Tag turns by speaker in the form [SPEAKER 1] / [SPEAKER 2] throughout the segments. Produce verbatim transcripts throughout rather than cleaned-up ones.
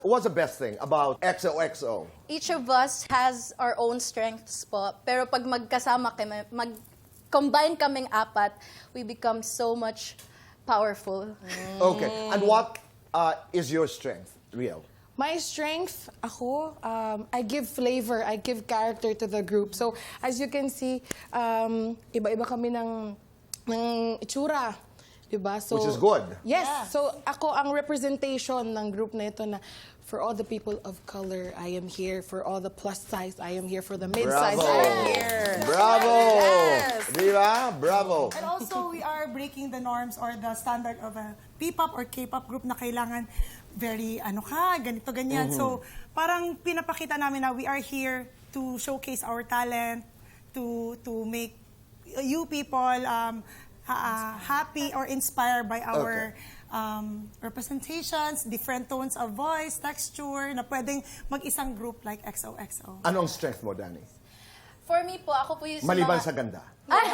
[SPEAKER 1] What's the best thing about X O X O?
[SPEAKER 2] Each of us has our own strengths po. Pero pag magkasama kami, mag-combine kaming apat, we become so much powerful.
[SPEAKER 1] Okay. And what uh, is your strength, Riel?
[SPEAKER 3] My strength, ako, um, I give flavor, I give character to the group. So, as you can see, um, iba-iba kami ng, ng itsura. Diba? So,
[SPEAKER 1] Which is good.
[SPEAKER 3] Yes. So, ako ang representation ng group na ito na for all the people of color, I am here. For all the plus size, I am here. For the mid-size,
[SPEAKER 1] Bravo!
[SPEAKER 3] I am here.
[SPEAKER 1] Bravo!
[SPEAKER 3] Yes.
[SPEAKER 1] Diba? Bravo!
[SPEAKER 4] And also, we are breaking the norms or the standard of a P-pop or K-pop group na kailangan very, ano ka, ganito, ganyan. So, parang pinapakita namin na we are here to showcase our talent, to to make you people um, uh, happy or inspired by our um, representations, different tones of voice, texture, na pwedeng mag-isang group like X O X O.
[SPEAKER 1] Anong strength mo, Danny?
[SPEAKER 2] For me po, ako po yung
[SPEAKER 1] Maliban
[SPEAKER 2] mga...
[SPEAKER 1] sa ganda.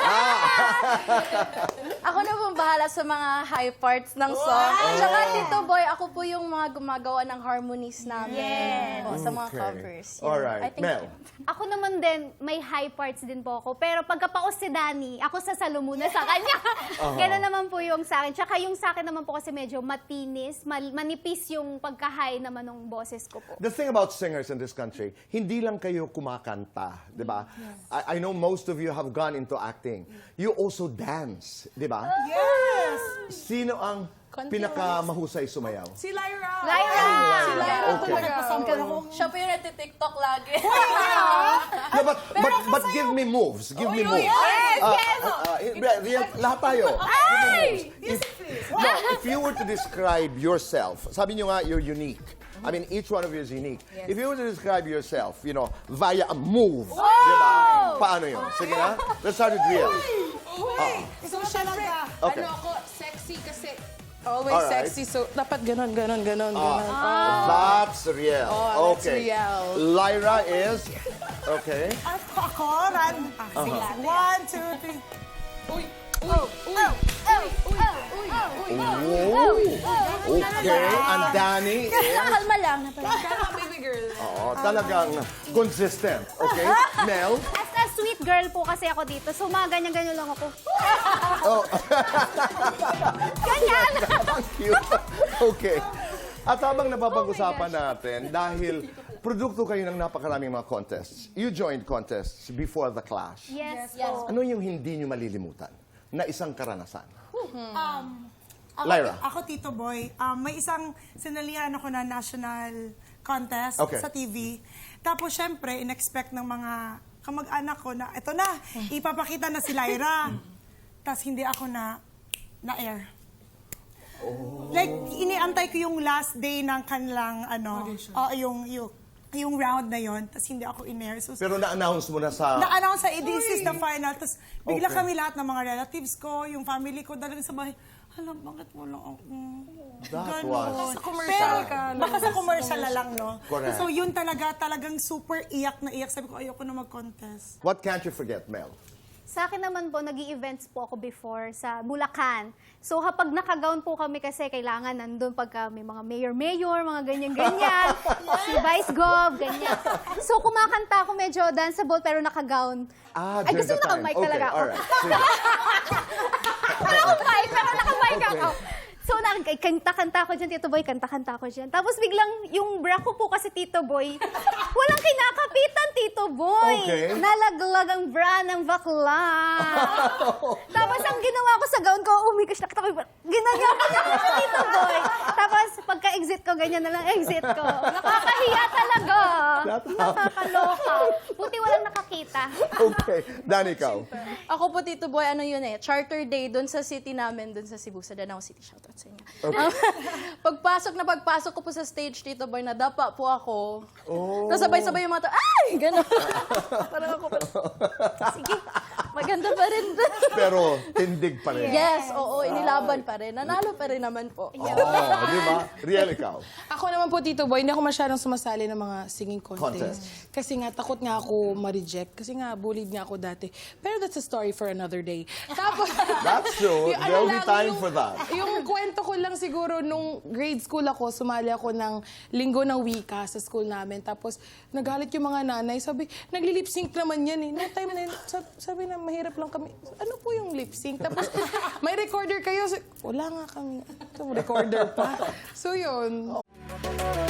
[SPEAKER 2] Ako na pong bahala sa mga high parts ng song. Tsaka Tito Boy, ako po yung mga gumagawa ng harmonies namin.
[SPEAKER 5] Yes.
[SPEAKER 2] Po, sa mga
[SPEAKER 1] Okay.
[SPEAKER 2] covers. Yun.
[SPEAKER 1] Alright.
[SPEAKER 2] I think-
[SPEAKER 1] Mel?
[SPEAKER 5] Ako naman din, may high parts din po ako. Pero pagkapaos si Danny, ako sasalo muna sa kanya. Gano'n naman po yung sa akin. Tsaka yung sa akin naman po kasi medyo matinis, mal- manipis yung pagka-high naman ng boses ko po.
[SPEAKER 1] The thing about singers in this country, hindi lang kayo kumakanta, di ba? I, I know most of you have gone into acting. You also dance, di ba?
[SPEAKER 4] Yes!
[SPEAKER 1] Sino ang pinakamahusay sumayaw?
[SPEAKER 3] Si Lyra!
[SPEAKER 5] Lyra!
[SPEAKER 3] Si Lyra
[SPEAKER 1] Okay.
[SPEAKER 3] talaga.
[SPEAKER 2] Siya po yung nati-tiktok lagi.
[SPEAKER 1] No, but, but, but give me moves. Give me moves.
[SPEAKER 5] Yes,
[SPEAKER 1] Uh,
[SPEAKER 5] yes!
[SPEAKER 1] uh, uh, uh, real, lahat tayo. Give me moves. If, no, if you were to describe yourself, sabi nyo nga, you're unique. I mean, each one of you is unique. If you were to describe yourself, you know, via a move, di ba? Paano yun? Sige na. Let's start with Riel.
[SPEAKER 3] So, syempre,
[SPEAKER 1] Okay.
[SPEAKER 3] ano ako, sexy kasi always
[SPEAKER 1] Alright.
[SPEAKER 3] sexy. So, dapat ganon, ganon, ganon, ganon.
[SPEAKER 1] That's Riel.
[SPEAKER 3] Oh, that's
[SPEAKER 1] Okay.
[SPEAKER 3] Riel.
[SPEAKER 1] Lyra is, okay.
[SPEAKER 4] Ako, ako, run. Ah, sige. One, two, three.
[SPEAKER 1] Whoa. Okay. And Danny is,
[SPEAKER 2] Kalma lang.
[SPEAKER 3] Baby girl.
[SPEAKER 1] oo, talagang consistent. Okay. Mel.
[SPEAKER 5] As a sweet girl po kasi ako dito. So, mga ganyan-ganyan lang ako.
[SPEAKER 1] Oh.
[SPEAKER 5] Ganyan!
[SPEAKER 1] Ang cute. Okay. At habang napapag-usapan natin, dahil produkto kayo ng napakaraming mga contests, you joined contests before the Clash.
[SPEAKER 5] Yes,
[SPEAKER 2] Yes.
[SPEAKER 5] po.
[SPEAKER 1] Ano yung hindi nyo malilimutan na isang karanasan?
[SPEAKER 4] Um, ako,
[SPEAKER 1] Lyra.
[SPEAKER 4] Ako, Tito Boy, um, may isang sinalihan ako na national contest
[SPEAKER 1] Okay.
[SPEAKER 4] sa T V. Tapos, syempre, in-expect ng mga kamag-anak ko na, eto na, ipapakita na si Lyra. Tapos, hindi ako na, na-air. Like, iniantay ko yung last day ng kanilang, ano, oh, yung, yung, yung round na yon. Tapos, hindi ako in-air. So,
[SPEAKER 1] Pero na-announce mo na sa...
[SPEAKER 4] na-announce sa this is the final. Tapos bigla
[SPEAKER 1] Okay.
[SPEAKER 4] kami lahat ng mga relatives ko, yung family ko, dalagang sa bahay. Alam, bakit mo lang ako?
[SPEAKER 1] That
[SPEAKER 4] Ganon.
[SPEAKER 1] was
[SPEAKER 3] Sa commercial ka.
[SPEAKER 4] Baka sa commercial na lang, no?
[SPEAKER 1] Correct.
[SPEAKER 4] So yun talaga, talagang super iyak na iyak. Sabi ko, ayoko na mag-contest.
[SPEAKER 1] What can't you forget, Mel?
[SPEAKER 5] Sa akin naman po, nag events po ako before sa Bulacan. So, kapag nakagown po kami kasi kailangan nandun pagka may mga mayor-mayor, mga ganyan-ganyan, si Vice Gov, ganyan. So, kumakanta ako medyo danceable pero nakagown.
[SPEAKER 1] Ah,
[SPEAKER 5] Ay,
[SPEAKER 1] during
[SPEAKER 5] gusto
[SPEAKER 1] the time.
[SPEAKER 5] naka-mic
[SPEAKER 1] Okay,
[SPEAKER 5] talaga ako.
[SPEAKER 1] alright. Sige.
[SPEAKER 5] Naka-mic, pero naka-mic
[SPEAKER 1] Okay.
[SPEAKER 5] ako. So, kanta-kanta ko dyan, Tito Boy, kanta-kanta ko dyan. Tapos biglang, yung bra ko po kasi, Tito Boy, walang kinakapitan, Tito Boy.
[SPEAKER 1] Okay.
[SPEAKER 5] Nalaglag ang bra ng bakla. Tapos ang ginawa ko sa gown ko, oh my gosh, nakita ko yung bra. Ginagawa ko niya siya, Tito Boy. Tapos pagka-exit ko, ganyan na lang exit ko. Nakakahiya talaga. Nakakaloka. Buti walang nakakita.
[SPEAKER 1] Okay. Danny, ikaw.
[SPEAKER 2] Ako po, Tito Boy, ano yun eh, charter day doon sa city namin, doon sa Cebu, sa Danao City. Shoutout sa inyo. Um, pagpasok na pagpasok ko po sa stage, Tito Boy, nadapa po ako.
[SPEAKER 1] Oh.
[SPEAKER 2] Tapos sabay-sabay yung mga to, ay! Gano'n. Parang ako pa. Sige, maganda pa rin.
[SPEAKER 1] Pero tindig pa rin.
[SPEAKER 2] Yes, oo, inilaban pa rin. Nanalo pa rin naman po.
[SPEAKER 1] Oh, di ba? Riel, ikaw.
[SPEAKER 3] Ako naman po, Tito Boy, hindi ako masyadong sumasali ng mga singing contest.
[SPEAKER 1] Contest.
[SPEAKER 3] Kasi nga, takot nga ako ma-reject. Kasi nga, bullied nga ako dati. Pero that's a story for another day. Tapos,
[SPEAKER 1] That's true.
[SPEAKER 3] yung ano
[SPEAKER 1] There'll be
[SPEAKER 3] lang,
[SPEAKER 1] time
[SPEAKER 3] yung-
[SPEAKER 1] for that.
[SPEAKER 3] Yung kwento ko lang siguro, nung grade school ako, sumali ako ng linggo ng wika sa school namin. Tapos, nagalit yung mga nanay. Sabi, nagli-lip sync naman yan eh. No time na yun. Sabi, sabi na, mahirap lang kami. Ano po yung lip sync? Tapos, may recorder kayo. Wala nga kami. Ito, recorder pa. So, yun.